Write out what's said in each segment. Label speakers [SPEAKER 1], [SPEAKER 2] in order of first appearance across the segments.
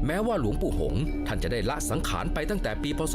[SPEAKER 1] แม้ว่าหลวงปู่หงส์ท่านจะได้ละสังขารไปตั้งแต่ปีพศ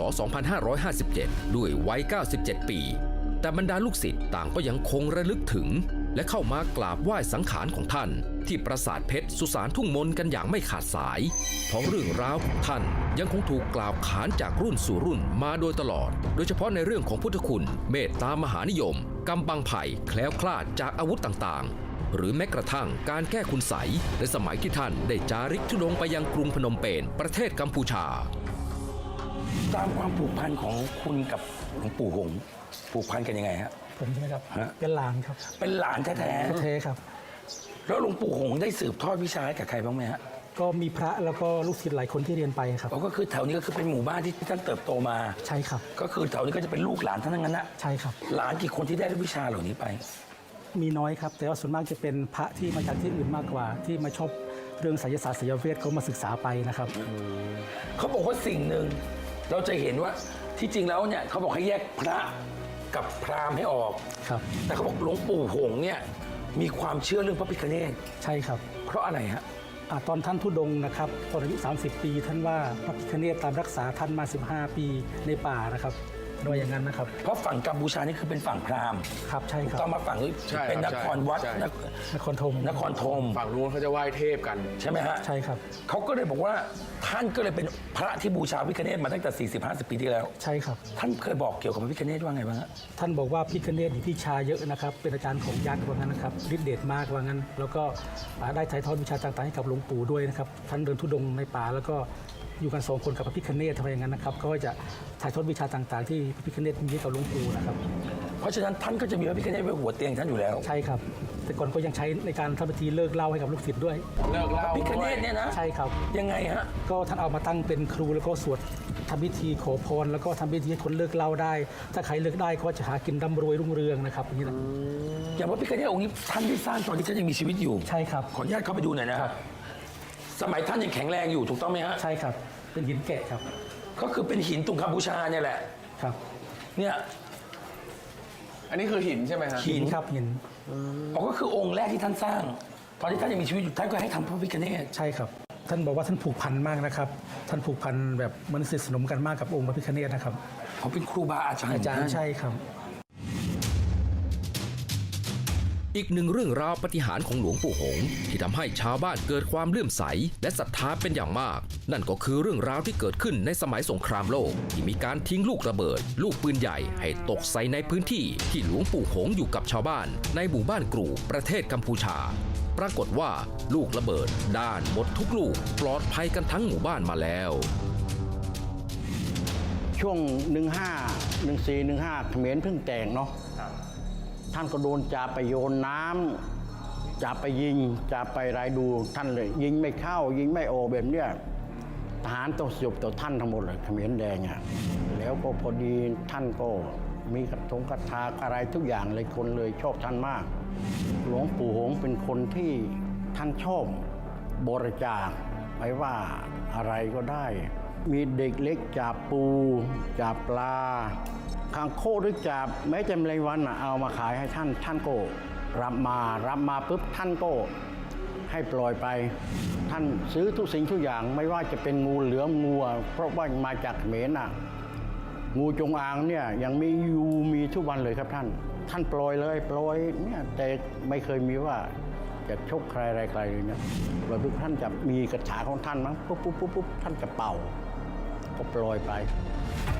[SPEAKER 1] 2557 ด้วยวัย 97 ปี แต่บรรดาลูกศิษย์ต่างก็ยังคงระลึกถึงและเข้ามากราบไหว้สังขารของท่านที่ปราสาทเพชรสุสานทุ่งมนกันอย่างไม่ขาดสายเพราะเรื่องราวของท่านยังคงถูกกล่าวขานจากรุ่นสู่รุ่นมาโดยตลอดโดยเฉพาะในเรื่องของพุทธคุณเมตตามหานิยมกำบังไผ่แคล้วคลาดจากอาวุธต่างๆหรือแม้กระทั่งการแก้คุณไสยในสมัยที่ท่านได้จาริกธุดงค์ไปยังกรุงพนมเปญประเทศกัมพูชา
[SPEAKER 2] ตามความผูกพันของคุณกับหลวงปู่หงส์ผูกพันกันยังไงฮะ
[SPEAKER 3] ผมใช่ไหมครับเป็นหลานครับ
[SPEAKER 2] เป็นหลานแท้
[SPEAKER 3] ๆครับ
[SPEAKER 2] แล้วหลวงปู่หงส์ได้สืบทอดวิชาให้กับใครบ้างไหมฮะ
[SPEAKER 3] ก็มีพระแล้วก็ลูกศิษย์หลายคนที่เรียนไปครับ
[SPEAKER 2] ก็คือแถวนี้ก็คือเป็นหมู่บ้านที่ท่านเติบโตมา
[SPEAKER 3] ใช่ครับ
[SPEAKER 2] ก็คือแถวนี้ก็จะเป็นลูกหลานท่านทั้งนั้นนะ
[SPEAKER 3] ใช่ครับ
[SPEAKER 2] หลานกี่คนที่ได้วิชาเหล่านี้ไป
[SPEAKER 3] มีน้อยครับแต่ว่าส่วนมากจะเป็นพระที่มาจากที่อื่นมากกว่าที่มาชอบเรื่องไสยศาสตร์ไสยเวทเขามาศึกษาไปนะครับ
[SPEAKER 2] เขาบอกว่าสิ่งหนึ่งเราจะเห็นว่าที่จริงแล้วเนี่ยเขาบอกให้แยกพระกับพราหมณ์ให้ออก
[SPEAKER 3] ครับ
[SPEAKER 2] แต่เขาบอกหลวงปู่หงส์เนี่ยมีความเชื่อเรื่องพระพิฆเนศ
[SPEAKER 3] ใช่ครับ
[SPEAKER 2] เพราะอะไรฮะ
[SPEAKER 3] ตอนท่านธุดงค์นะครับตอนอายุ30 ปีท่านว่าพระพิฆเนศตามรักษาท่านมา15 ปีในป่านะครับโดยอย่างนั้นนะครับ
[SPEAKER 2] เพราะฝั่งกัมพูชานี่คือเป็นฝั่งพราหมณ์
[SPEAKER 3] ครับใช่ครับ
[SPEAKER 2] ต้องมาฝั่งนี้เป็นนครวัด
[SPEAKER 3] นครธม
[SPEAKER 4] ฝั่งนู้นเขาจะไหว้เทพกัน
[SPEAKER 2] ใช่ไหมฮะ
[SPEAKER 3] ใช่ครับ
[SPEAKER 2] เขาก็เลยบอกว่าท่านก็เลยเป็นพระที่บูชาพระพิฆเนศมาตั้งแต่ 40-50 ปีที่แล้ว
[SPEAKER 3] ใช่ครับ
[SPEAKER 2] ท่านเคยบอกเกี่ยวกับพระพิฆเนศว่าไงบ้างฮะ
[SPEAKER 3] ท่านบอกว่าพิฆเนศมีวิชาเยอะนะครับเป็นอาจารย์ของยักษ์ว่างั้นนะครับฤทธิ์เดชมากว่างั้นแล้วก็ได้ถ่ายทอดวิชาต่างๆให้กับหลวงปู่ด้วยนะครับท่านเดินธุดงค์ในป่าแล้วก็อยู่กัน2 คนกับพระพิฆเนศทำไมอย่างนั้นนะครับก็จะถ่ายทอดวิชาต่างๆที่พระพิฆเนศมีให้กับหลวงปู่นะครับ
[SPEAKER 2] เพราะฉะนั้นท่านก็จะมีพระพิฆเนศไว้หัวเตียงท่านอยู่แล้ว
[SPEAKER 3] ใช่ครับแต่ก่อนก็ยังใช้ในการทำพิธีเลิกเหล้าให้กับลูกศิษย์ด้วย
[SPEAKER 4] เลิกเหล้า
[SPEAKER 2] พระพิฆเนศเนี่ยนะ
[SPEAKER 3] ใช่ครับ
[SPEAKER 2] ยังไงฮะ
[SPEAKER 3] ก็ท่านเอามาตั้งเป็นครูแล้วก็สวดทำพิธีขอพรแล้วก็ทำพิธีให้คนเลิกเหล้าได้ถ้าใครเลิกได้ก็จะหากินร่ำรวยรุ่งเรืองนะครับอย่างนี้นะ
[SPEAKER 2] อย่างพระพิฆเนศองค์นี้ท่านได้สร้างตอนที่ท่านยังมีชีวิตอยู่
[SPEAKER 3] ใช่ครับ
[SPEAKER 2] ขออนุญาตเข้าไปดูหน่อยนะครับสมัยท่านยังแข็งแรงอยู่ถูกต้องไหมฮะ
[SPEAKER 3] ใช่ครับเป็นหินแกะครับ
[SPEAKER 2] ก็คือเป็นหินตุงกัมพูชาเนี่ยแหละ
[SPEAKER 3] ครับ
[SPEAKER 2] เนี่ย
[SPEAKER 4] อันนี้คือหินใช่ไหมฮะ
[SPEAKER 3] หินครับหิน
[SPEAKER 2] ก็คือองค์แรกที่ท่านสร้างตอนที่ท่านยังมีชีวิตอยู่ท่านก็ให้ทำพระพิฆเนศ
[SPEAKER 3] ใช่ครับท่านบอกว่าท่านผูกพันมากนะครับท่านผูกพันแบบมันสนิทสนมกันมากกับองค์พระพิฆเนศนะครับ
[SPEAKER 2] เขาเป็นครูบาอาจารย์
[SPEAKER 3] ใช่ครับ
[SPEAKER 1] อีกหนึ่งเรื่องราวปาฏิหาริย์ของหลวงปู่หงส์ที่ทำให้ชาวบ้านเกิดความเลื่อมใสและศรัทธาเป็นอย่างมากนั่นก็คือเรื่องราวที่เกิดขึ้นในสมัยสงครามโลกที่มีการทิ้งลูกระเบิดลูกปืนใหญ่ให้ตกใส่ในพื้นที่ที่หลวงปู่หงส์อยู่กับชาวบ้านในหมู่บ้านกรูประเทศกัมพูชาปรากฏว่าลูกระเบิดด้านหมดทุกลูกปลอดภัยกันทั้งหมู่บ้านมาแล้ว
[SPEAKER 5] ช่วง15 14 15เขมรเพิ่งแตกเนาะท่านก็โดนจับไปโยนน้ำจับไปยิงจับไปรายดูท่านเลยยิงไม่เข้ายิงไม่ออกแบบเนี้ยทหารต้องสยบต่อท่านทั้งหมดเลยเขมรแดงอ่ะแล้วก็พอดีท่านก็มีกระถาอะไรทุกอย่างเลยคนเลยชอบท่านมากหลวงปู่หงส์เป็นคนที่ท่านชอบบริจาคไม่ว่าอะไรก็ได้มีเด็กเล็กจับปูจับปลาคางโคหรือจับแม้จะแมลงวันเอามาขายให้ท่านก็รับมาปุ๊บท่านก็ให้ปล่อยไปท่านซื้อทุกสิ่งทุกอย่างไม่ว่าจะเป็นงูเหลือมงูเพราะว่ามาจากเขมรงูจงอางเนี่ยยังมีทุกวันเลยครับท่านปล่อยเลยปล่อยเนี่ยแต่ไม่เคยมีว่าจะชกใครอะไรใครเลยเนี่ยปล่อยปุ๊บท่านจะมีกระถาของท่านมั้งปุ๊บท่านจะเป่าก็ปล่อยไป